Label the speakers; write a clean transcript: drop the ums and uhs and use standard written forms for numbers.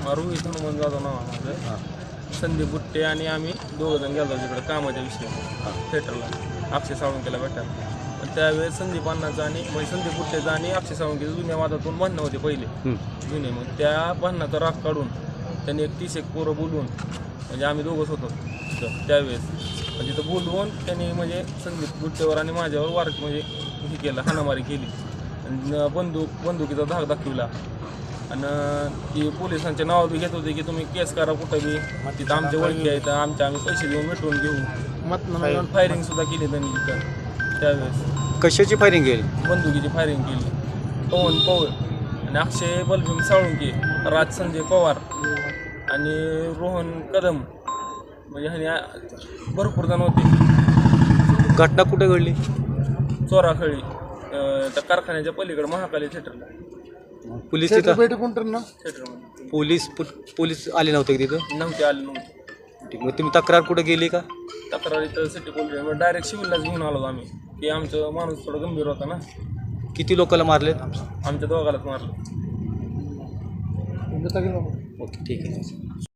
Speaker 1: रोहित हनुमान जाधव नाव आहे माझं.
Speaker 2: हां
Speaker 1: संदीप बुट्टे आणि आम्ही दोघंजण गेलो तिकडे कामाच्या विषयी थिएटरला अक्षय साळुंकेला भेटायला. पण त्यावेळेस संदीप अण्णाचं आणि म्हणजे संदीप बुट्टेचं आणि अक्षय साळुंकेचं जुन्या वादातून भांडणं होते पहिले जुने. मग त्या भांडणाचा राग काढून त्यांनी 31 पोरं बोलवून म्हणजे आम्ही दोघंच होतो तिथं त्यावेळेस. म्हणजे तिथं बोलवून त्यांनी म्हणजे संदीप बुट्टेवर आणि माझ्यावर वार म्हणजे हे केलं, हाणामारी केली आणि बंदुकीचा धाक दाखविला. आणि ती पोलिसांच्या नाव बी घेत होते की तुम्ही केस करा कुठं बी, तिथं आमच्या ओळखी आहेत, आम्ही पैसे देऊन मिटवून घेऊ. फायरिंग सुद्धा केली त्यांनी तिथं त्यावेळेस.
Speaker 2: कशाची फायरिंग केली?
Speaker 1: बंदुकीची फायरिंग केली. पवन पवळ आणि अक्षय बलभीम साळुंके, राज संजय पवार आणि रोहन कदम म्हणजे ह्याने भरपूर जण होते.
Speaker 2: घटना कुठे घडली?
Speaker 1: चोराखळी त्या कारखान्याच्या पलीकडे महाकाली थिएटरला.
Speaker 2: पोलीस तिथं
Speaker 1: थिएटरमध्ये
Speaker 2: पोलीस आले नव्हते की तिथं?
Speaker 1: नव्हते आले नव्हते.
Speaker 2: ठीक. मग तुम्ही तक्रार कुठे गेली का?
Speaker 1: तक्रार इथं सिटी पोलीस डायरेक्ट सिव्हिललाच घेऊन आलो आम्ही की आमचं माणूस थोडं गंभीर होता ना.
Speaker 2: किती लोकांना मारलेत?
Speaker 1: आमच्या दोघालाच मारलं.
Speaker 2: ओके ठीक आहे.